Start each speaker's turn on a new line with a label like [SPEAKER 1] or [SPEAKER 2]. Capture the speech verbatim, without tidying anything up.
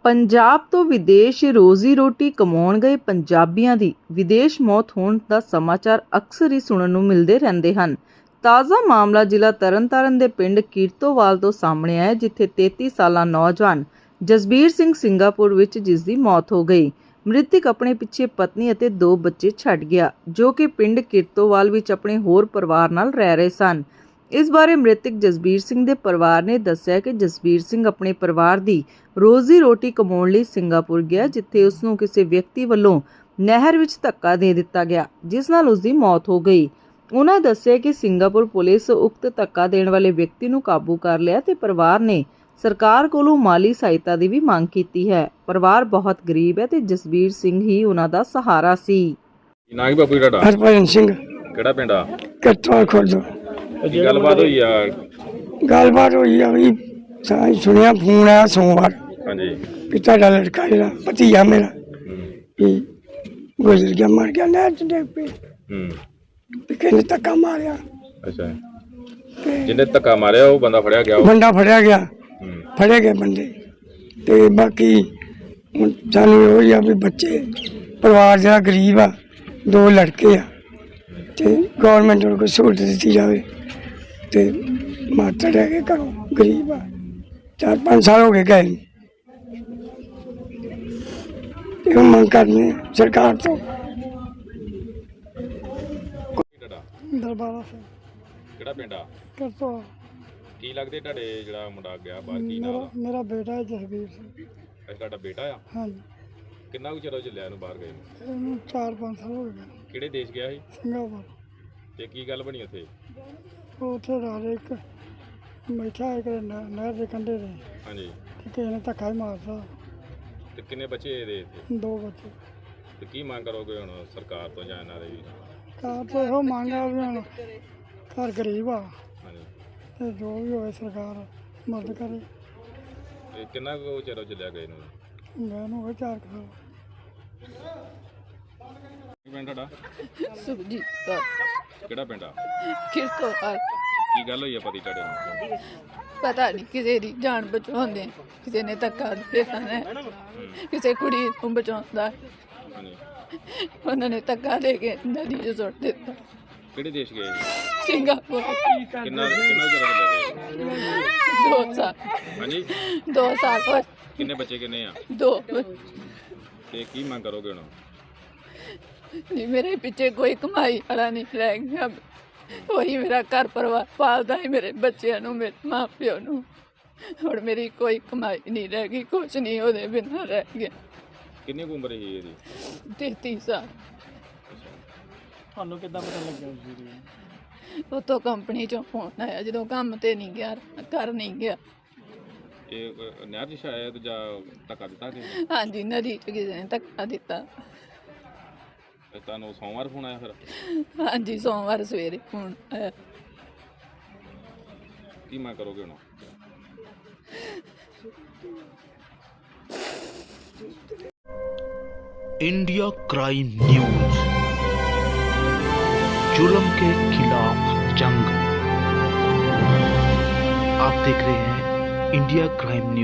[SPEAKER 1] ਪੰਜਾਬ ਤੋਂ ਵਿਦੇਸ਼ ਰੋਜ਼ੀ ਰੋਟੀ ਕਮਾਉਣ ਗਏ ਪੰਜਾਬੀਆਂ ਦੀ ਵਿਦੇਸ਼ ਮੌਤ ਹੋਣ ਦਾ ਸਮਾਚਾਰ ਅਕਸਰ ਹੀ ਸੁਣਨ ਨੂੰ ਮਿਲਦੇ ਰਹਿੰਦੇ ਹਨ। ਤਾਜ਼ਾ ਮਾਮਲਾ ਜ਼ਿਲ੍ਹਾ ਤਰਨਤਾਰਨ ਦੇ ਪਿੰਡ ਕੀਰਤੋਵਾਲ ਤੋਂ ਸਾਹਮਣੇ ਆਇਆ, ਜਿੱਥੇ ਤੇਤੀ ਸਾਲਾ ਨੌਜਵਾਨ ਜਸਬੀਰ ਸਿੰਘ ਸਿੰਗਾਪੁਰ ਵਿੱਚ ਜਿਸ ਦੀ ਮੌਤ ਹੋ ਗਈ। ਮ੍ਰਿਤਕ ਆਪਣੇ ਪਿੱਛੇ ਪਤਨੀ ਅਤੇ ਦੋ ਬੱਚੇ ਛੱਡ ਗਿਆ, ਜੋ ਕਿ ਪਿੰਡ ਕੀਰਤੋਵਾਲ ਵਿੱਚ ਆਪਣੇ ਹੋਰ ਪਰਿਵਾਰ ਨਾਲ ਰਹਿ ਰਹੇ ਸਨ। ਇਸ ਬਾਰੇ ਮ੍ਰਿਤਕ ਜਸਬੀਰ ਸਿੰਘ ਦੇ ਪਰਿਵਾਰ ਨੇ ਦੱਸਿਆ ਕਿ ਜਸਬੀਰ ਸਿੰਘ ਆਪਣੇ ਪਰਿਵਾਰ ਦੀ ਰੋਜ਼ੀ ਰੋਟੀ ਕਮਾਉਣ ਲਈ ਸਿੰਗਾਪੁਰ ਗਿਆ, ਜਿੱਥੇ ਉਸ ਨੂੰ ਕਿਸੇ ਵਿਅਕਤੀ ਵੱਲੋਂ ਨਹਿਰ ਵਿੱਚ ਧੱਕਾ ਦੇ ਦਿੱਤਾ ਗਿਆ, ਜਿਸ ਨਾਲ ਉਸ ਦੀ ਮੌਤ ਹੋ ਗਈ। ਉਹਨਾਂ ਦੱਸਿਆ ਕਿ ਸਿੰਗਾਪੁਰ ਪੁਲਿਸ ਉਕਤ ਧੱਕਾ ਦੇਣ ਵਾਲੇ ਵਿਅਕਤੀ ਨੂੰ ਕਾਬੂ ਕਰ ਲਿਆ ਤੇ ਪਰਿਵਾਰ ਨੇ ਸਰਕਾਰ ਕੋਲੋਂ ਮਾਲੀ ਸਹਾਇਤਾ ਦੀ ਵੀ ਮੰਗ ਕੀਤੀ ਹੈ। ਪਰਿਵਾਰ ਬਹੁਤ ਗਰੀਬ ਹੈ ਤੇ ਜਸਬੀਰ ਸਿੰਘ ਹੀ ਉਹਨਾਂ ਦਾ ਸਹਾਰਾ ਸੀ।
[SPEAKER 2] ਨਾਂ ਕੀ ਬਾਪੂ ਜੀ ਤੁਹਾਡਾ?
[SPEAKER 3] ਹਰਭਜਨ ਸਿੰਘ।
[SPEAKER 2] ਕਿਹੜਾ ਪਿੰਡ ਆ?
[SPEAKER 3] ਕੱਟਵਾ ਖੁਰਦ।
[SPEAKER 2] ਕੀ ਗੱਲਬਾਤ ਹੋਈ ਆ?
[SPEAKER 3] ਗੱਲਬਾਤ ਹੋਈ ਆ ਵੀ ਸਾਂ ਸੁਣਿਆ ਫੋਨ ਆਇਆ ਸੋਮਵਾਰ
[SPEAKER 2] ਹਾਂਜੀ
[SPEAKER 3] ਕਿ ਤੁਹਾਡਾ ਲੜਕਾ ਜਿਹੜਾ ਭਤੀਜਾ ਮੇਰਾ ਵੀ ਗੁਜ਼ਰ ਗਿਆ, ਮਰ ਗਿਆ ਨਹਿਰ ਚ ਡਿੱਗ ਪਈ।
[SPEAKER 2] ਹੂੰ
[SPEAKER 3] ਵੀ ਕਿਸੇ ਨੇ ਧੱਕਾ ਮਾਰਿਆ।
[SPEAKER 2] ਅੱਛਾ,
[SPEAKER 3] ਤੇ
[SPEAKER 2] ਜਿਹਨੇ ਧੱਕਾ ਮਾਰਿਆ ਉਹ ਬੰਦਾ ਫੜਿਆ ਗਿਆ?
[SPEAKER 3] ਬੰਦਾ ਫੜਿਆ ਗਿਆ,
[SPEAKER 2] ਹੂੰ
[SPEAKER 3] ਫੜੇ ਗਏ ਬੰਦੇ। ਤੇ ਬਾਕੀ ਹੁਣ ਸਾਨੂੰ ਇਹੋ ਹੀ ਆ ਵੀ ਬੱਚੇ ਪਰਿਵਾਰ ਜਿਹੜਾ ਗਰੀਬ ਆ, ਦੋ ਲੜਕੇ ਆ, ਤੇ ਗੌਰਮੈਂਟ ਨੂੰ ਕੋਈ ਸਹੂਲਤ ਦਿੱਤੀ ਜਾਵੇ। ਤੇ ਮਾਤਾ ਰਹਿ ਕੇ ਘਰੋਂ ਗਰੀਬ ਆ, ਚਾਰ ਪੰਜ ਸਾਲ ਹੋ ਗਏ ਗਏ ਨੂੰ। ਇਹੋ ਮੰਗ ਕਰਨੀ ਆ ਸਰਕਾਰ ਤੋਂ।
[SPEAKER 2] ਤੁਹਾਡਾ
[SPEAKER 3] ਦਰਬਾਰਾ ਸਿੰਘ
[SPEAKER 2] ਕਿਹੜਾ ਪਿੰਡ ਆ?
[SPEAKER 3] ਕਰਤੋ।
[SPEAKER 2] ਕੀ ਲੱਗਦੇ ਤੁਹਾਡੇ ਜਿਹੜਾ ਮੁੰਡਾ ਗਿਆ ਬਾਹਰ, ਕੀ ਨਾਮ
[SPEAKER 3] ਮੇਰਾ
[SPEAKER 2] ਆ?
[SPEAKER 3] ਮੇਰਾ ਬੇਟਾ ਹੈ ਜਸਬੀਰ ਸਿੰਘ।
[SPEAKER 2] ਅੱਛਾ, ਤੁਹਾਡਾ ਬੇਟਾ ਆ?
[SPEAKER 3] ਹਾਂਜੀ,
[SPEAKER 2] ਕਿੰਨਾ ਕੁ ਚਿਰ ਹੋ ਚੱਲਿਆ ਇਹਨੂੰ ਬਾਹਰ ਗਏ ਨੂੰ?
[SPEAKER 3] ਇਹਨੂੰ ਚਾਰ ਪੰਜ ਸਾਲ ਹੋ ਗਏ।
[SPEAKER 2] ਕਿਹੜੇ ਦੇਸ਼ ਗਿਆ ਸੀ
[SPEAKER 3] ਸਿੰਗਾਪੁਰ।
[SPEAKER 2] ਤੇ ਕੀ ਗੱਲ ਬਣੀ ਉੱਥੇ?
[SPEAKER 3] ਉਹ ਉੱਥੇ ਰਾਜ ਇੱਕ ਬੈਠਾ ਇੱਕ ਨਹਿਰ ਦੇ ਕੰਢੇ ਤੇ,
[SPEAKER 2] ਹਾਂਜੀ,
[SPEAKER 3] ਤੇ ਕਿਸੇ ਨੇ ਧੱਕਾ ਹੀ ਮਾਰਤਾ।
[SPEAKER 2] ਤੇ ਕਿੰਨੇ ਬੱਚੇ ਇਹਦੇ ਇੱਥੇ?
[SPEAKER 3] ਦੋ ਬੱਚੇ।
[SPEAKER 2] ਤੇ ਕੀ ਮੰਗ ਕਰੋਗੇ ਹੁਣ ਸਰਕਾਰ ਤੋਂ ਜਾਂ ਇਹਨਾਂ ਦੇ ਵੀ?
[SPEAKER 3] ਕਾਰ ਤੋਂ ਇਹੋ ਮੰਗ ਆ ਵੀ ਹੁਣ ਘਰ ਗਰੀਬ ਆ,
[SPEAKER 2] ਹਾਂਜੀ,
[SPEAKER 3] ਤੇ ਜੋ ਵੀ ਹੋਵੇ ਸਰਕਾਰ ਮਦਦ ਕਰੇ।
[SPEAKER 2] ਤੇ ਕਿੰਨਾ ਕੁ ਚਿਰ ਹੋ ਚੱਲਿਆ ਗਏ ਨੂੰ?
[SPEAKER 3] ਮੈਨੂੰ ਹੋਵੇ ਚਾਰ ਕੁ ਸਾਲ।
[SPEAKER 2] ਕੀ ਪਿੰਡ ਤੁਹਾਡਾ?
[SPEAKER 4] ਸੁਖਜੀਤ ਕੌਰ।
[SPEAKER 2] ਕਿਹੜਾ ਪਿੰਡ ਆ?
[SPEAKER 4] ਕੀਰਤੋਵਾਲ।
[SPEAKER 2] ਕੀ ਗੱਲ ਹੋਈ ਆ ਪਤੀ ਤੁਹਾਡੇ ਨੂੰ?
[SPEAKER 4] ਪਤਾ ਨਹੀਂ ਕਿਸੇ ਦੀ ਜਾਨ ਬਚਾਉਂਦੇ, ਕਿਸੇ ਨੇ ਧੱਕਾ ਦੇ ਦਿੱਤਾ, ਕਿਸੇ ਕੁੜੀ ਨੂੰ ਬਚਾਉਂਦਾ,
[SPEAKER 2] ਹਾਂਜੀ,
[SPEAKER 4] ਉਹਨਾਂ ਨੇ ਧੱਕਾ ਦੇ ਕੇ ਨਦੀ 'ਚ ਸੁੱਟ ਦਿੱਤਾ।
[SPEAKER 2] ਕਿਹੜੇ ਦੇਸ਼ ਗਏ ਸੀ?
[SPEAKER 4] ਸਿੰਗਾਪੁਰ।
[SPEAKER 2] ਕਿੰਨਾ ਕਿੰਨਾ ਚਿਰ ਹੋ ਚੱਲਿਆ ਗਏ?
[SPEAKER 4] ਦੋ ਸਾਲ
[SPEAKER 2] ਹਾਂਜੀ,
[SPEAKER 4] ਦੋ ਸਾਲ ਹੋਏ।
[SPEAKER 2] ਕਿੰਨੇ ਬੱਚੇ ਕਿੰਨੇ ਆ?
[SPEAKER 4] ਦੋ।
[SPEAKER 2] ਤੇ ਕੀ ਮੰਗ ਕਰੋਗੇ ਹੁਣ?
[SPEAKER 4] ਨਹੀਂ, ਮੇਰੇ ਪਿੱਛੇ ਕੋਈ ਕਮਾਈ ਵਾਲਾ ਨਹੀਂ ਰਹਿ ਗਿਆ। ਉਹੀ ਮੇਰਾ ਘਰ ਪਰਿਵਾਰ ਪਾਲਦਾ ਹੈ, ਮੇਰੇ ਬੱਚਿਆਂ ਨੂੰ, ਮੇਰੇ ਮਾਂ ਪਿਓ ਨੂੰ। ਹੁਣ ਮੇਰੀ ਕੋਈ ਕਮਾਈ ਨਹੀਂ ਰਹਿ ਗਈ, ਕੁਛ ਨਹੀਂ ਉਹਦੇ ਬਿਨਾਂ ਰਹਿ ਗਿਆ।
[SPEAKER 2] ਕਿੰਨੀ ਕੁ ਉਮਰ ਸੀ ਇਹਦੀ?
[SPEAKER 4] ਤੇਤੀ ਸਾਲ।
[SPEAKER 3] ਤੁਹਾਨੂੰ ਕਿੱਦਾਂ ਪਤਾ ਲੱਗਿਆ ਜੀ?
[SPEAKER 4] ਉੱਥੋਂ ਕੰਪਨੀ ਚੋਂ ਫੋਨ ਆਇਆ, ਜਦੋਂ ਕੰਮ ਤੇ ਨਹੀਂ ਗਿਆ, ਘਰ ਨਹੀਂ ਗਿਆ।
[SPEAKER 2] ਇਹ ਅਹ, ਨਹਿਰ 'ਚ ਸ਼ਾਇਦ ਜਾਂ ਧੱਕਾ ਦਿੱਤਾ ਕਿ
[SPEAKER 4] ਹਾਂਜੀ, ਨਦੀ 'ਚ ਕਿਸੇ ਨੇ ਧੱਕਾ ਦਿੱਤਾ।
[SPEAKER 2] ਤੁਹਾਨੂੰ ਸੋਮਵਾਰ ਫੋਨ ਆਇਆ ਫਿਰ?
[SPEAKER 4] ਹਾਂਜੀ, ਸੋਮਵਾਰ ਸਵੇਰੇ ਫੋਨ ਆਇਆ।
[SPEAKER 2] ਕੀ ਮੰਗ ਕਰੋਗੇ ਹੁਣ?
[SPEAKER 5] इंडिया क्राइम न्यूज, जुल्म के खिलाफ जंग। आप देख रहे हैं इंडिया क्राइम न्यूज।